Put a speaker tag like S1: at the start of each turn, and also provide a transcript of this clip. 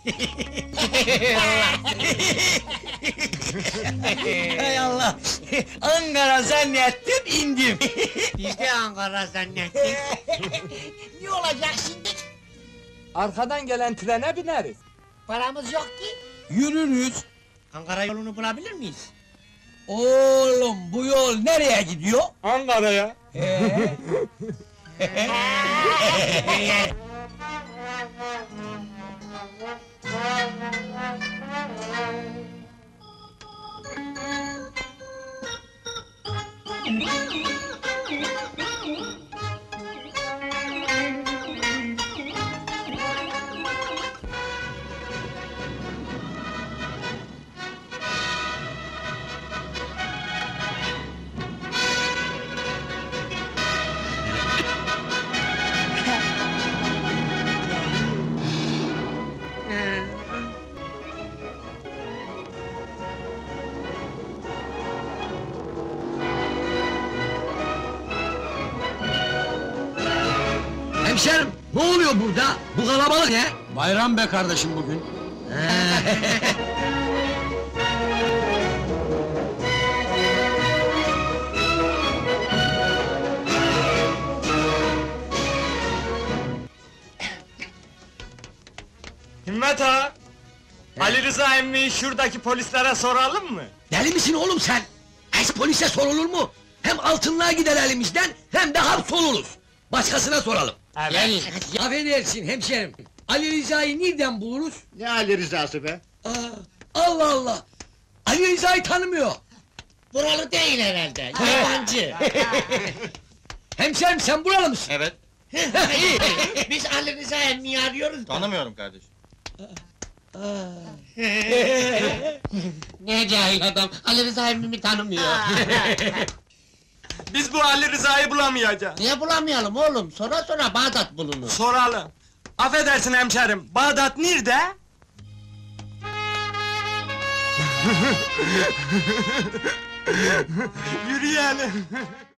S1: Hay Allah! Ankara zannettim, indim!
S2: Biz de Ankara zannettik.
S3: Ne olacak şimdi?
S4: Arkadan gelen trene bineriz.
S3: Paramız yok ki.
S1: Yürürüz!
S2: Ankara yolunu bulabilir miyiz?
S1: Oğlum, bu yol nereye gidiyor?
S4: Ankara'ya.
S1: Hemşerim, ne oluyor burada? Bu kalabalık ne?
S5: Bayram be kardeşim bugün.
S4: Himmet ağa! Ali Rıza emmiyi şuradaki polislere soralım mı?
S1: Deli misin oğlum sen? Es polise sorulur mu? Hem altınlığa gider elimizden, hem de hapsoluruz. Başkasına soralım.
S2: Gelin.
S1: Affedersin hemşerim. Ali Rıza'yı nereden buluruz?
S2: Ne Ali rızası be?
S1: Aa, Allah Allah! Ali Rıza'yı tanımıyor.
S2: Buralı değil herhalde, yabancı.
S1: Hemşerim sen buralı mısın?
S5: Evet,
S2: Biz Ali Rıza emmiyi arıyoruz da.
S5: tanımıyorum kardeşim.
S2: Ne cahil adam, Ali Rıza emmimi tanımıyor.
S4: Biz bu Ali Rıza'yı bulamayacağız.
S2: Niye bulamayalım oğlum? Sonra sonra Bağdat bulunur.
S4: Soralım. Affedersin hemşerim, Bağdat nerede? Yürüyelim.